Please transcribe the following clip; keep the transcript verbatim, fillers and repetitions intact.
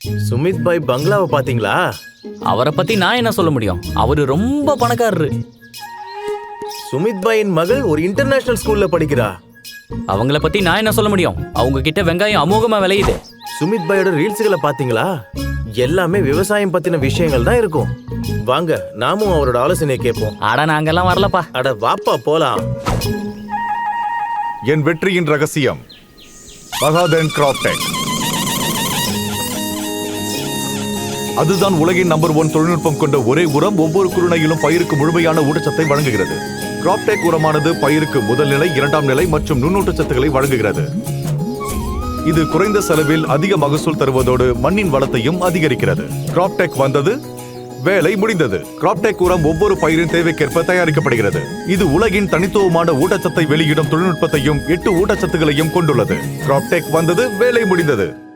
சுமித் பாய் பங்களாவை பாத்தீங்களா? அவரை பத்தி நான் என்ன சொல்ல முடியும்? அவரு ரொம்ப பணக்காரரு. சுமித் பாயின் மகள் ஒரு இன்டர்நேஷனல் ஸ்கூல்ல படிக்கிறா. அவங்கள பத்தி நான் என்ன சொல்ல முடியும்? அவங்க கிட்ட வெங்காயம் அமோகமா விளையுது. சுமித் பாயோட ரீல்ஸ்களை பாத்தீங்களா? எல்லாமே விவசாயம் பத்தின விஷயங்கள் தான் இருக்கும். வாங்க நாமும் அவரோட ஆலோசனையை கேட்போம். அட நாங்கெல்லாம் வரலப்பா. அட வாப்பா போலாம். என் வெற்றியின் ரகசியம் பகாதன் கிராப்டெக். அதுதான் உலகின் நம்பர் ஒன் தொழில்நுட்பம் கொண்ட ஒரே உரம். ஒவ்வொரு குருணையிலும் பயிருக்கு முழுமையான ஊட்டச்சத்தை வழங்குகிறது. கிராப்டெக் உரமானது பயிருக்கு முதல் நிலை, இரண்டாம் நிலை மற்றும் நுண்ணூட்டச்சத்துக்களை வழங்குகிறது. இது குறைந்த செலவில் அதிக மகசூல் தருவதோடு மண்ணின் வளத்தையும் அதிகரிக்கிறது. கிராப்டெக் வந்தது, வேலை முடிந்தது. கிராப்டெக் உரம் ஒவ்வொரு பயிரின் தேவைக்கேற்ப தயாரிக்கப்படுகிறது. இது உலகின் தனித்துவமான ஊட்டச்சத்தை வெளியிடும் தொழில்நுட்பத்தையும் எட்டு ஊட்டச்சத்துகளையும் கொண்டுள்ளது. கிராப்டெக் வந்தது, வேலை முடிந்தது.